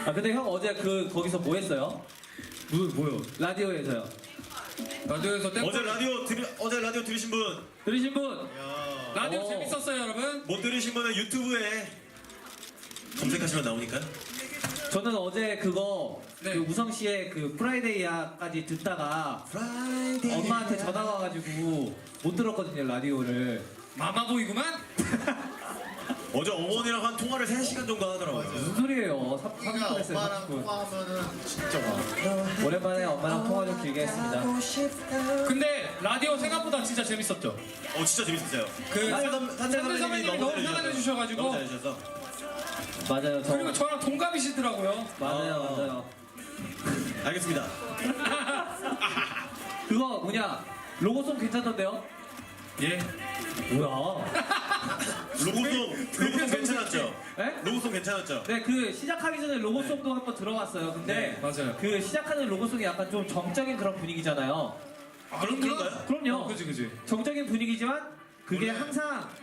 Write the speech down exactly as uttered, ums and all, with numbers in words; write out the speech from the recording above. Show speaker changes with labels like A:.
A: 아 근데 형 어제 그 거기서 뭐 했어요?
B: 뭐, 뭐요?
A: 라디오에서요.
B: 라디오에서 땡
C: 어제 라디오 들 어제 라디오 들으신 분,
A: 들으신 분?
C: 야,
B: 라디오
A: 어.
B: 재밌었어요 여러분?
C: 못 들으신 분은 유튜브에 검색하시면 나오니까.
A: 저는 어제 그거
B: 네.
A: 그 우성 씨의 그 프라이데이야까지 듣다가 엄마한테 전화가 와가지고 못 들었거든요 라디오를.
B: 마마보이구만?
C: 어제 어머니랑 한 통화를 세 시간 정도 하더라고요.
A: 무슨 소리예요? 삼 분
D: 그냥
A: 했어요.
D: 엄마랑
A: 삼십 분.
D: 통화하면은 진짜 많아.
A: 오랜만에 엄마랑 통화 좀 길게 했습니다.
B: 근데 라디오 생각보다 진짜 재밌었죠?
C: 어 진짜 재밌었어요.
B: 그
C: 산들
B: 산-
C: 선-
B: 산들
C: 산들
B: 선배님이 너무 사랑해 주셔가지고.
C: 너무 잘해주셔서.
A: 맞아요. 저
B: 그리고 저랑 동갑이시더라고요.
A: 맞아요,
C: 어.
A: 맞아요.
C: 알겠습니다.
A: 그거 뭐냐 로고송 괜찮던데요?
B: 예.
A: 뭐야?
C: 로고송 로고송 괜찮았죠?
A: 네?
C: 로고송 괜찮았죠?
A: 네, 그 시작하기 전에 로고송도 한번 들어봤어요. 근데
B: 네, 맞아요.
A: 그 시작하는 로고송이 약간 좀 정적인 그런 분위기잖아요.
B: 아,
C: 그런- 그런가요?
A: 그럼요.
B: 어, 그지 그지.
A: 정적인 분위기지만 그게
C: 원래-
A: 항상